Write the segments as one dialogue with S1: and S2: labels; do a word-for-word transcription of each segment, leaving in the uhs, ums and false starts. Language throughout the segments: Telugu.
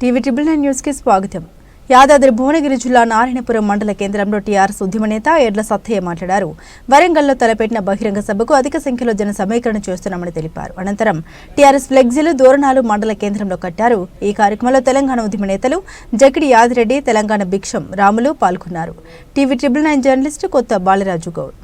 S1: టీవీ ట్రిబుల్ నైన్ న్యూస్ కి స్వాగతం. యాదాద్రి భువనగిరి జిల్లా నారాయణపురం మండల కేంద్రంలో టీఆర్ఎస్ ఉద్యమ నేత ఎడ్ల సత్తయ్య మాట్లాడారు. వరంగల్లో తలపెట్టిన బహిరంగ సభకు అధిక సంఖ్యలో జన సమీకరణ చేస్తున్నామని తెలిపారు. అనంతరం టీఆర్ఎస్ ఫ్లెక్సీలు, దోరణాలు మండల కేంద్రంలో కట్టారు. ఈ కార్యక్రమంలో తెలంగాణ ఉద్యమ నేతలు జకిడి యాదిరెడ్డి, తెలంగాణ భిక్షం రాములు పాల్గొన్నారు. టీవీ ట్రిబుల్ నైన్ జర్నలిస్టు కొత్త బాలరాజు గౌడ్.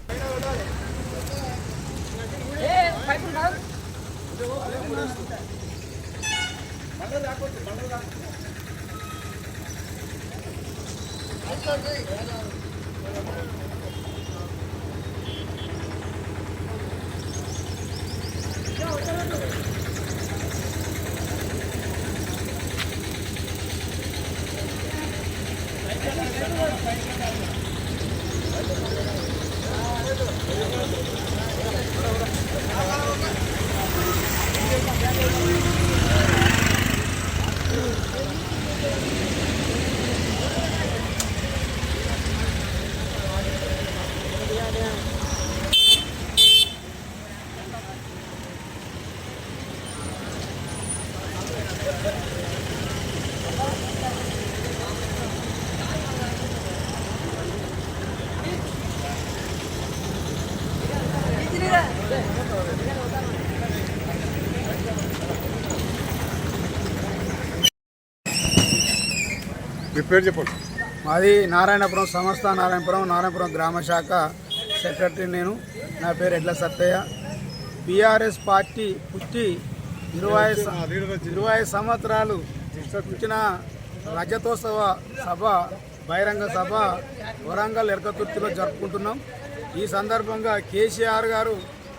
S2: మీ పేరు చెప్పండి.
S3: మాది నారాయణపురం సంస్థ, నారాయణపురం నారాయణపురం గ్రామ శాఖ సెక్రటరీ నేను. నా పేరు ఎడ్ల సత్తయ్య. బీఆర్ఎస్ పార్టీ పుట్టి ఇరవై ఇరవై సంవత్సరాలు పుట్టిన రజతోత్సవ సభ, బహిరంగ సభ వరంగల్ ఎరకతుర్తిలో జరుపుకుంటున్నాం. ఈ సందర్భంగా కేసీఆర్ గారు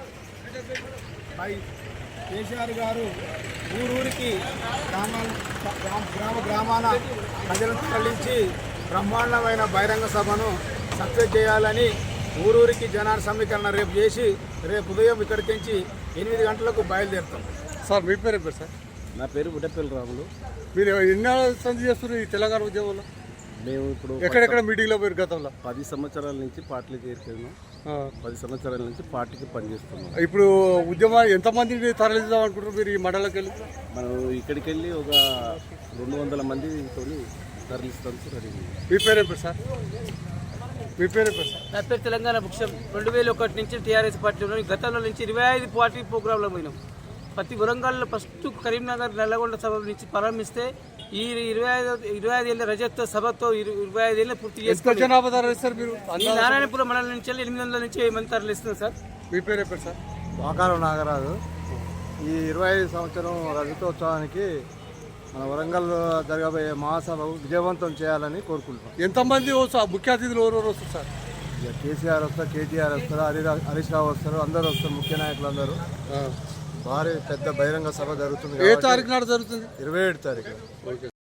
S3: కేసీఆర్ గారు ఊరూరికి గ్రామాల గ్రామ గ్రామాన ప్రజలను తరలించి బ్రహ్మాండమైన బహిరంగ సభను సక్సెస్ చేయాలని ఊరూరికి జనాల సమీకరణ రేపు చేసి రేపు ఉదయం ఇక్కడికి నుంచి ఎనిమిది గంటలకు బయలుదేరుతాం.
S2: సార్ మీ పేరు పేరు సార్?
S4: నా పేరు బుడ్డపల్లి రాములు.
S2: మీరు ఎన్ని సంధి చేస్తున్నారు ఈ తెలంగాణ ఉద్యమంలో?
S4: మేము ఇప్పుడు
S2: ఎక్కడెక్కడ మీటింగ్లో మీరు గతంలో
S4: పది సంవత్సరాల నుంచి పార్టీలు చేరుకున్నాం. పది సంవత్సరాల నుంచి పార్టీకి పనిచేస్తున్నాం.
S2: ఇప్పుడు ఉద్యమం ఎంతమందిని తరలిద్దాం అనుకుంటున్నారు మీరు ఈ మండలంకి వెళ్ళి?
S4: మనం ఇక్కడికి వెళ్ళి ఒక రెండు వందల మందితో తరలిస్తాం సార్.
S2: మీ పేరు పేరు సార్? మీ పేరు పేరు సార్?
S5: నా పేరు తెలంగాణ భిక్షం. రెండు వేల ఒకటి నుంచి టీఆర్ఎస్ పార్టీలో గతంలో నుంచి ఇరవై ఐదు పార్టీ ప్రోగ్రాంలో పోయినాం. ప్రతి వరంగల్లో ఫస్ట్ కరీంనగర్ నల్లగొండ సభ నుంచి ప్రారంభిస్తే ఈ ఇరవై ఐదు ఇరవై ఐదు ఏళ్ళ రజత్ సభతో ఇరవై ఐదు ఏళ్ళ పూర్తి చేసుకుని
S2: జనాభా తరలిస్తారు మీరు?
S5: ఈ నారాయణపురం మండలం నుంచి ఎనిమిది వందల నుంచి వెయ్యి మంది తరలిస్తున్నారు సార్.
S2: మీ పేరు పేరు సార్?
S6: వాకారం నాగరాజు. ఈ ఇరవై ఐదు సంవత్సరం రజతోత్సవానికి మన వరంగల్ జరగబోయే మహాసభ విజయవంతం చేయాలని కోరుకుంటున్నాం.
S2: ఎంతమంది ముఖ్య అతిథులు ఎవరెవరు వస్తారు సార్?
S6: ఇక కేసీఆర్ వస్తారు, కేటీఆర్ వస్తారు, హరి హరీష్ రావు వస్తారు, అందరూ వస్తారు. ముఖ్య నాయకులు అందరూ. భారీ పెద్ద బహిరంగ సభ జరుగుతుంది.
S2: ఏ తారీఖు నాడు జరుగుతుంది?
S6: ఇరవై ఏడు తారీఖు.